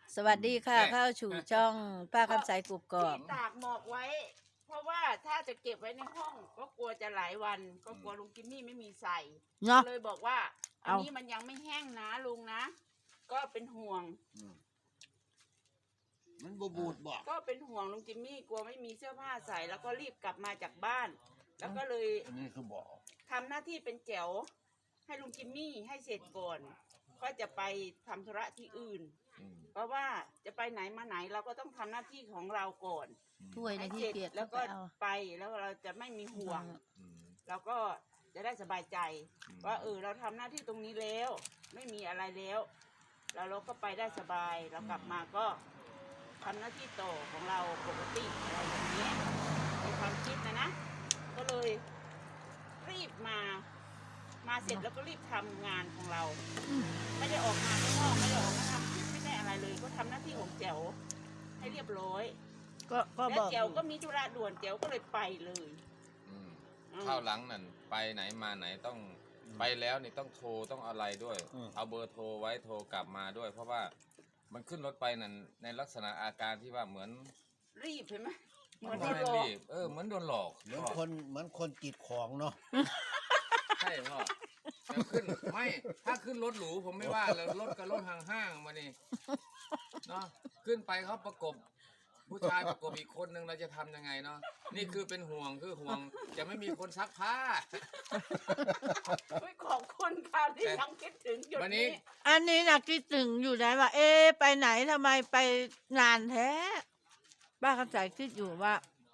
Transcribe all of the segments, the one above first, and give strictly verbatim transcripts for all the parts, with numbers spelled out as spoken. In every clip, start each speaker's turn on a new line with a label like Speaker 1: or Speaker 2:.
Speaker 1: สวัสดีค่ะเข้าสู่ช่องป้าคำใสกุกกอก
Speaker 2: ที่ตากหมอกไว้ เพราะว่าถ้าจะเก็บไว้ในห้องก็กลัวจะหลายวัน ก็กลัวลุงกิมมี่ไม่มีใส่
Speaker 1: เนาะ
Speaker 2: ก็เลยบอกว่าอัน
Speaker 1: เอา
Speaker 2: นี้มันยังไม่แห้งนะลุงนะ ก็เป็นห่วง
Speaker 3: มันบูบูดบอก
Speaker 2: ก็เป็นห่วงลุงจิมมี่กลัวไม่มีเสื้อผ้าใส่แล้วก็รีบกลับมาจากบ้าน แล้วก็เลย
Speaker 3: อันนี้คือบอก
Speaker 2: ทำหน้าที่เป็นแจ๋วให้ลุงจิมมี่ให้เสร็จก่อนก็จะไปทำธุระที่อื่น เพราะว่าจะไปไหนมาไหนเราก็ต้องทำหน้าที่ของเราก่อน
Speaker 1: ถ้วยใน
Speaker 2: ให้
Speaker 1: ที่
Speaker 2: เสร็จ
Speaker 1: เกียจ
Speaker 2: แล้วก็
Speaker 1: เอา
Speaker 2: ไปแล้วเราจะไม่มีห่วง เราก็จะได้สบายใจ ว่าเออเราทำหน้าที่ตรงนี้แล้ว ไม่มีอะไรแล้วแล้วเราก็ไปได้สบายเรากลับมาก็ทำหน้าที่ต่อของเราปกติอะไรอย่างนี้ในความคิดนะนะ ก็เลยรีบมา มาเสร็จแล้วก็รีบทำงานของเรา ไม่ได้ออกมาข้างนอกไม่ได้ออกมาทำคลิปไม่ได้อะไรเลย ก็ทำหน้าที่ของแจ๋วให้เรียบร้อย
Speaker 1: ก็ก็
Speaker 2: และ
Speaker 1: บอก
Speaker 2: แจ๋วก็มีธุระด่วนแจ๋วก็เลยไปเลย
Speaker 4: อืม
Speaker 2: อืม
Speaker 4: ข้าวหลังนั่นไปไหนมาไหนต้องไปแล้วนี่ต้องโทรต้องอะไรด้วย เอาเบอร์โทรไว้โทรกลับมาด้วย เพราะว่ามันขึ้นรถไปนั่นในลักษณะอาการที่ว่าเหมือน
Speaker 2: รีบเห็นไหมเหมือน
Speaker 4: ไม่
Speaker 2: โดนหลอก
Speaker 4: รีบเออเหมือนโดนหลอก
Speaker 3: เหมือนคนเหมือนคนจิตของเนาะ
Speaker 4: ใช่พ่อแต่ขึ้นไม่ถ้าขึ้นรถหรูผมไม่ว่าเลยรถกับรถห้างๆมานี่เนาะขึ้นไปเขาประกบ ผู้ชายประกบอีกคนนึงเราจะทำยังไงเนาะนี่คือเป็นห่วงคือห่วงจะไม่มีคนซักผ้า
Speaker 2: อุ๊ยขอบคุณค่ะที่ยังคิดถึงจุด
Speaker 4: วันนี้
Speaker 2: นี้
Speaker 1: อันนี้นะคิดถึงอยู่นะว่า เอ๊ะไปไหนทำไมไปนานแท้ป้าคำใสคิดอยู่ว่า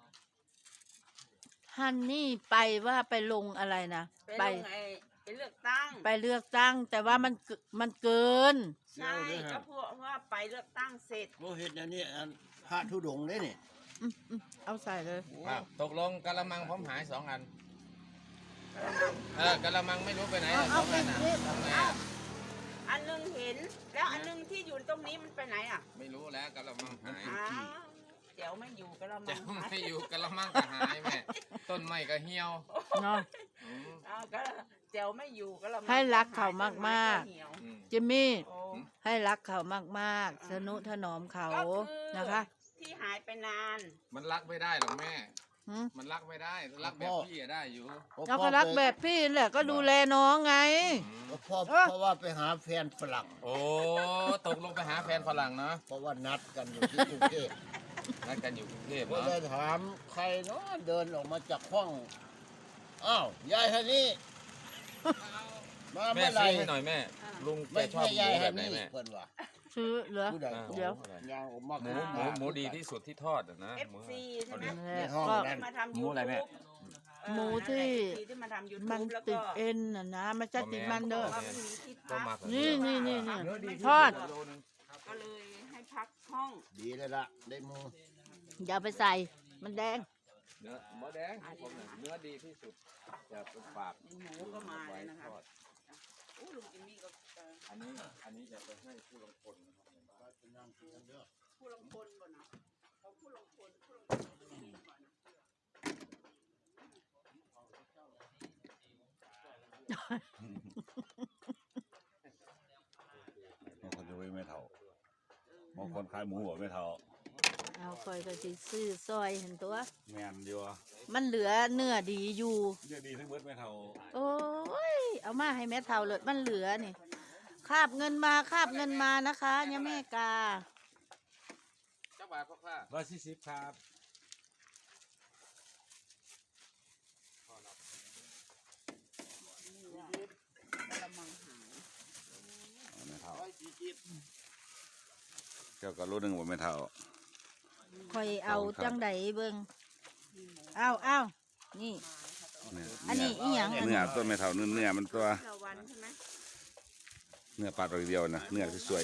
Speaker 1: ฮันนี่ไปว่าไปลงอะไรนะ
Speaker 2: ไป
Speaker 1: ไป
Speaker 2: ลงไอ้ไปเลือกตั้ง
Speaker 1: ไปเลือกตั้ง แต่ว่ามันเกิมันเกิน
Speaker 2: ใช่ก็เพราะว่าไปเลือกตั้งเสร็จ
Speaker 3: โมเห็ดอันนี้อันพระธุดงค์ได้นี่
Speaker 1: อืมอืมเอาใส่เลย
Speaker 4: อ่ะตกลงกะละมังผมหายสองอันเออกะละมังไม่รู้ไปไหน
Speaker 1: เอา
Speaker 4: อ่ะส
Speaker 1: เอา
Speaker 4: อง
Speaker 1: ไป
Speaker 4: อันอ่ะ
Speaker 1: นี่
Speaker 4: ทำไง
Speaker 2: เอ้า
Speaker 4: อ่ะ
Speaker 2: อันหนึงเห็น แล้วอันหนึงที่อยู่ตรงนี้มันไปไหนอ่ะ
Speaker 4: ไม่รู้แล้วกะละมังหาย
Speaker 2: อ้าวเดี๋ยวไม่อยู่ก็เรามา
Speaker 4: จะไม่อยู่กะละมังก็หายแม่ต้นไม้ก็เหี่ยว
Speaker 1: เนาะ
Speaker 4: อืม
Speaker 2: อ้าวก็เดี๋ยวไม่อยู่ก็เรามา
Speaker 1: ให้รักเขามากๆ
Speaker 2: ต้นไก็เหี่ยว
Speaker 4: อืม
Speaker 1: จิมมี่
Speaker 2: โอ้
Speaker 1: ให้รักเขามากๆ สนุถนอมเขา
Speaker 2: ก็คือ
Speaker 1: นะคะ
Speaker 2: ที่หายไปนาน
Speaker 4: มันรักไม่ได้หรอกแม่
Speaker 1: หืม
Speaker 4: มันรักไม่ได้รักแบบพี่อะได้อยู่
Speaker 1: เราก็รักแบบพี่แหละก็ดูแลน้องไง
Speaker 4: อืม
Speaker 3: เพราะ
Speaker 1: เออ
Speaker 3: เพราะว่าไปหาแฟนฝรั่ง
Speaker 4: โอ้ตกลงไปหาแฟนฝรั่งเนาะ
Speaker 3: เพราะว่านัดกันอยู่ที่กรุงเทพ
Speaker 4: นัดกันอยู่กรุงเทพ
Speaker 3: ก็
Speaker 4: เนาะ
Speaker 3: เลยถามใครเนาะเดินออกมาจากห้องอ้าวยายฮันนี่มา
Speaker 4: แม่
Speaker 3: เมื่อไหร่
Speaker 4: ซื้อให้หน่อยแม่ ลุงแก
Speaker 3: ไม่
Speaker 4: ชอบ
Speaker 3: ใช่
Speaker 4: หมู
Speaker 3: ยาย
Speaker 4: แบ
Speaker 3: ฮัน
Speaker 4: บไหน
Speaker 3: นี่
Speaker 4: แม่
Speaker 3: เพิ่นว่า
Speaker 1: ซื้อเหรอ
Speaker 3: ผู้ใด
Speaker 4: อ่า
Speaker 1: เดี๋ยว
Speaker 3: ยางออกมา
Speaker 4: หมูหมูหมูดีที่สุดที่ทอดอะนะ
Speaker 2: เอฟ
Speaker 4: หมู
Speaker 2: ซีใช่ไหม
Speaker 1: นั่นแห
Speaker 3: ใน
Speaker 1: ละ
Speaker 3: ห้อง
Speaker 1: ก็
Speaker 3: นั้น
Speaker 2: มาทำ
Speaker 4: หมู
Speaker 2: ยู
Speaker 4: อะไรแม่
Speaker 2: ทูบ
Speaker 1: หมูที่
Speaker 2: ที่มาทำยู
Speaker 1: มัน
Speaker 2: ทูบแล้ว
Speaker 1: ติ
Speaker 2: ก็
Speaker 1: ดเอ็นน่ะนะไม่ใช่ติดมันเด้อ
Speaker 2: ว่ามันมีที่
Speaker 4: ก็
Speaker 2: พั
Speaker 4: มาก กว่า
Speaker 1: นี่นี่นี่นี่
Speaker 4: เนื้อดี
Speaker 1: ทอด
Speaker 4: โลนึง
Speaker 2: ก็เลยให้พักห้อง
Speaker 3: ดีเลยล่ะได้หมู
Speaker 1: อย่าไปใส่มันแดง
Speaker 4: เนื้อหมูแดงผมน่ะเนื้อดีที่สุดจะเป็นปาก
Speaker 2: หมูก็มาเลยนะคะ
Speaker 4: ทอด
Speaker 2: โอ้ลุงจิมมี่ก็เอ่อ
Speaker 4: อันนี้อันนี้จะไปให้ผู้ลงทุนนะครับ
Speaker 2: ผู้ลงพลก่อนนะเอาผู้ลงพลผู้ลงพลตรงนี้ก่อนนะ
Speaker 5: บางคนจะไม่เท่าบางคนขายหมูบอกไม่เท่า
Speaker 1: เอาคอยก็สิซื้อซอยเห็นตัว
Speaker 5: แมนอยู่
Speaker 1: มันเหลือเนื้อดีอยู่
Speaker 5: เยอะดีทั้งเบิดไม่เท่า
Speaker 1: โอ้ย เอามาให้แม่เท่าเลยมันเหลือนี่คาบเงินมาคาบเงินมานะคะเนี่ยแม่กา
Speaker 4: เจ้าบ่าวพ่อข้า
Speaker 5: ร้อยสี่สิบครับ
Speaker 2: นี่แหละกระมังหาย
Speaker 5: ไม่เท่า
Speaker 3: ร้อยสี่สิบ
Speaker 5: เจ้าก็รู้หนึ่งว่าไม่เท่า
Speaker 1: คอยเอาจังไดเบิ่งเอาเอานี่
Speaker 5: เนี่ย
Speaker 1: อันนี้อีหยัง
Speaker 5: เนื้อต้นไม่เท่าเนื้อเนื้อมันตัว
Speaker 2: ละวันใช่ไหม
Speaker 5: เนื้อปลาตัวเดียวนะเนื้อสวย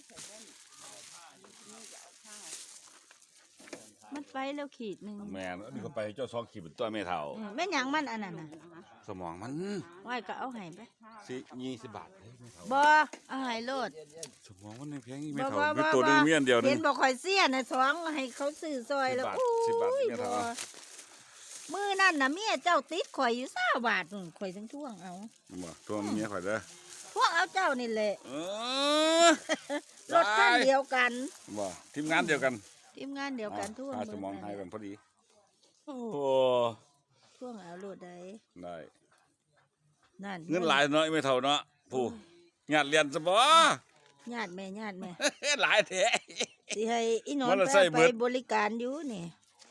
Speaker 1: มันไปแล้วขีดหนึ่ง
Speaker 5: ๆแมนอันนี้ก็ไปเจ้าซองขีดเป็นตัวไม่เท่า
Speaker 1: อืมแม่นหยังมันอันนั้นน่ะ
Speaker 5: สมองมัน
Speaker 1: ไว้ก็เอาให้ไป
Speaker 5: สิยี่สิบบาทเฮ้ยไม่เท่า
Speaker 1: บ่เอาให้โลด
Speaker 5: สมองมันยังแพงอีกไม่
Speaker 1: บ่
Speaker 5: เท่า
Speaker 1: บ่
Speaker 5: เป็น
Speaker 1: บ่
Speaker 5: ตัวหนึง
Speaker 1: บ่
Speaker 5: เมียนเดียวหนึ
Speaker 1: เห็
Speaker 5: ง
Speaker 1: นบอกข่อยเสียน่ะสองให้เขาซื้อซอยแล้ว
Speaker 5: สิบบาท
Speaker 1: โอ้
Speaker 5: สิ
Speaker 1: ย
Speaker 5: บบาท
Speaker 1: บ่
Speaker 5: เนี่ยเท่า
Speaker 1: มื้อนั่นน่ะเมียเจ้าติดข่อยอยู่สามบาทนู่นข่อยทั้งท่วงเอา
Speaker 5: บ่ตัวเมียข่อยเด้อ
Speaker 1: พวกเอาเจ้านี่แหละ
Speaker 5: เออ
Speaker 1: รถคันเดียวกัน
Speaker 5: บ่ทีมงานเดียวกัน
Speaker 1: ทีมงานเดียวกันทั่ว
Speaker 5: หาสมอง
Speaker 1: นั่น
Speaker 5: ให้
Speaker 1: แห
Speaker 5: กั
Speaker 1: ละ
Speaker 5: นพอดีโอ้
Speaker 1: ช่วงเอาโลดใด
Speaker 5: ได้
Speaker 1: นั่น
Speaker 5: เงินหลายเนาะไม่เท่าเนาะผู้ญาติเรียนซะบ่
Speaker 1: ญาติแม่ญาติแม่
Speaker 5: หลายแท้
Speaker 1: สิให้อีนอน
Speaker 5: มันละ
Speaker 1: ไป
Speaker 5: ใส่เบิ
Speaker 1: ไป
Speaker 5: ด
Speaker 1: บริการอยู่นี่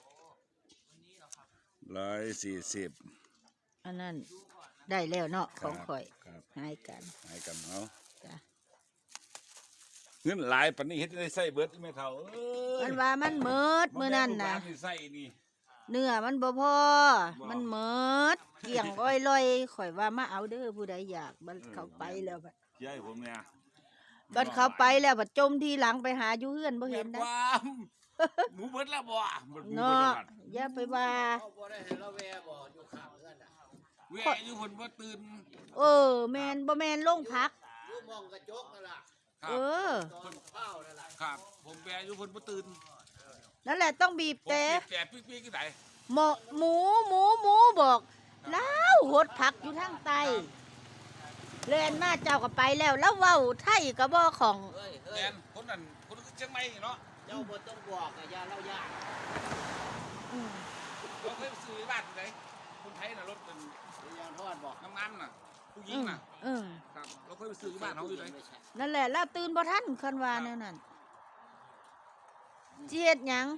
Speaker 5: ร้อยสี่สิบ
Speaker 1: อันนั้นได้แล้วเนาะ
Speaker 5: ค
Speaker 1: ข
Speaker 5: รั
Speaker 1: อบ งข่อย
Speaker 5: ครับ
Speaker 1: ให้กัน
Speaker 5: ให้กันเอา
Speaker 1: จ้ะ
Speaker 5: เงินหลายปานนี้เฮ็ดได้ใส่เบิดไม่เท่าเอ้ย
Speaker 1: มันว่ามันเมิดมื้อนั้นน่ะ
Speaker 5: บ่แม่ลูกหลาใส่นี่
Speaker 1: เนื้อมันบ่พอ มันเมิดเกี่ยงอ้อยลอยข่อยว่ามาเอาเด้อผู้ใดอยากบัดเขาไปแล้วบัด
Speaker 5: ยายผมเนี่ย
Speaker 1: บัดเขาไปแล้วบัดจมทีหลังไปหาอยู่เฮือนบ่เห็น
Speaker 5: แม่
Speaker 1: นะ
Speaker 5: ความหมูเบิดแล้วบ่หมูเบิด
Speaker 1: เนาะ
Speaker 5: แล้ว
Speaker 1: อย่าไปว่า
Speaker 3: เขาบ่ได้เห็นเราแวบ่อยู่ข้างเพื่อนน่ะ
Speaker 5: แวอยู่เพิ่นบ่ตื่น
Speaker 1: เออแม่นบ่แม่นลงพัก
Speaker 3: อยู่มองกระจกนั่นล่ะ
Speaker 5: ครั
Speaker 1: เอบ อ
Speaker 3: ตอนข้าวนั่นล่ะ
Speaker 5: ครับ ผมแวอยู่เพิ่นบ่ตื่น
Speaker 1: นั่นแหละต้องบีบ
Speaker 5: ผม
Speaker 1: แต่
Speaker 5: เก็บแต่ปิ๊กๆกี่ได
Speaker 1: หมอหมูหมูหมูบอกแล้วหดผักอยู่ทางใต้เล่นมาเจ้าก็ไปแล้ว แล้วเว้าไทยก็บ่ของ
Speaker 3: เฮ้ยเฮ้
Speaker 5: แม่
Speaker 3: ย
Speaker 5: นคนนั้นคนคือเชียงใหม่เนาะ
Speaker 3: เจ้าบ่ต้องบอกอะอย่าเล่ายาก
Speaker 1: อืม
Speaker 5: เราเคยไปซื้อบ้านไหนคนไทยน่ะรถเป็น
Speaker 3: อย่าทอดบอก
Speaker 5: น้ำมันน่ะผู้หญิ
Speaker 1: อื
Speaker 5: ง
Speaker 1: ม
Speaker 5: น่ะ
Speaker 1: อืม
Speaker 5: ครับเราเคยไปซื้อบ้านเขาอยู่ไหน
Speaker 1: นั่นแหละแล้วตื่นบ่ทันคันว่าแนวนั้นสิเฮ็ดหยัง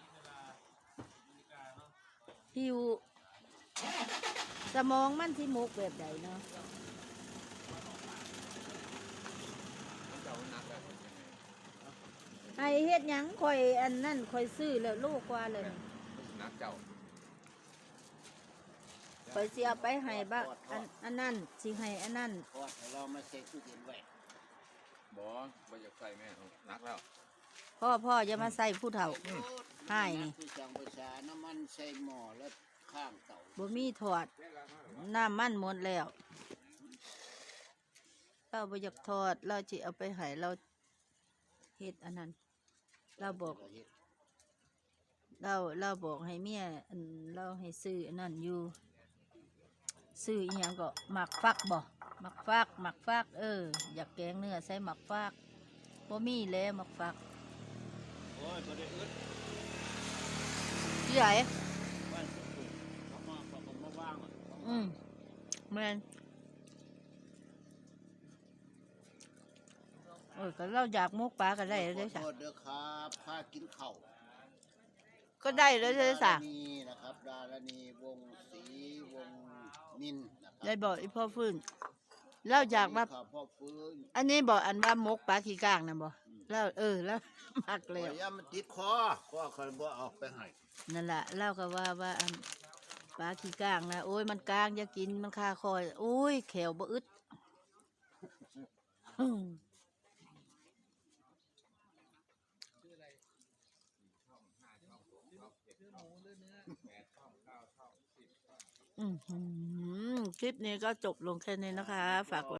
Speaker 1: หิวสมองมันสิมุกแบบใดเนาะไอเฮ็ดหยังข่อยอันนั่นข่อยซื้อแล้วโลกว่าเลย
Speaker 4: นักเจ้า
Speaker 1: ข่อยสิเอาไปให้บ้าอันอันนั้นสิให้อันนั้น
Speaker 3: ทอดให้เรามาเซ็ตตู้เย็นไว้
Speaker 4: บ่บ่อยากใส่แม่นักแล้ว
Speaker 1: พ่อพ่ออย่ามาใส่ผู้เฒ่า ให้นี่
Speaker 3: คือจังประชาน้ำมันใส่หม้อแล้วข้างเตา
Speaker 1: บ่มีถอดน้ำมันหมดแล้วเราบ่อยากทอดเราสิเอาไปให้เราเฮ็ดอันนั้นเราบอก
Speaker 3: ก็เฮ็ด
Speaker 1: เราเราบอกให้เมียอันเราให้ซื้ออันนั้นอยู่ซื้ออีหยังก็หมักฟักบ่หมักฟักหมักฟัก เออ อยากแกงเนื้อใส่หมักฟักบ่มีแล้วหมักฟัก
Speaker 3: โอ้ยบ่ได้อึด
Speaker 1: ที่ไหน
Speaker 3: บ้านสุดๆเขามาเขาก็มาว่างอะ
Speaker 1: อืมแม่นโอ้ยก็เราอยากมุกปลาก็ได้แล้วเด้อ
Speaker 3: ข
Speaker 1: จ้ะ
Speaker 3: อโทษเด้อครับพากินข้าว
Speaker 1: ก็ได้แล้วเด้อจ้ะ
Speaker 3: ดารณีนะครับดารณีวงศรีวงนินนะครั
Speaker 1: ได้บอกอีพ่อฟื้นเราอยากว่า
Speaker 3: ข้าวพ่อฟื้น
Speaker 1: อันนี้บอกอันว่ามกปลาขี้ก้างนะบอกแล้วเออแล้ว มัก
Speaker 3: เล
Speaker 1: แล้ว
Speaker 3: ยามันติดคอก็คอยบ่เอาไปให้
Speaker 1: นั่นแหละเล่าก็ว่าว่าอันปลาขี้ก้างนะโอ้ยมันก้างอย่ากินมันคาคอยโอ้ยแขวบ่อึดอืมอืมคลิปนี้ก็จบลงแค่นี้นะคะ ฝากกด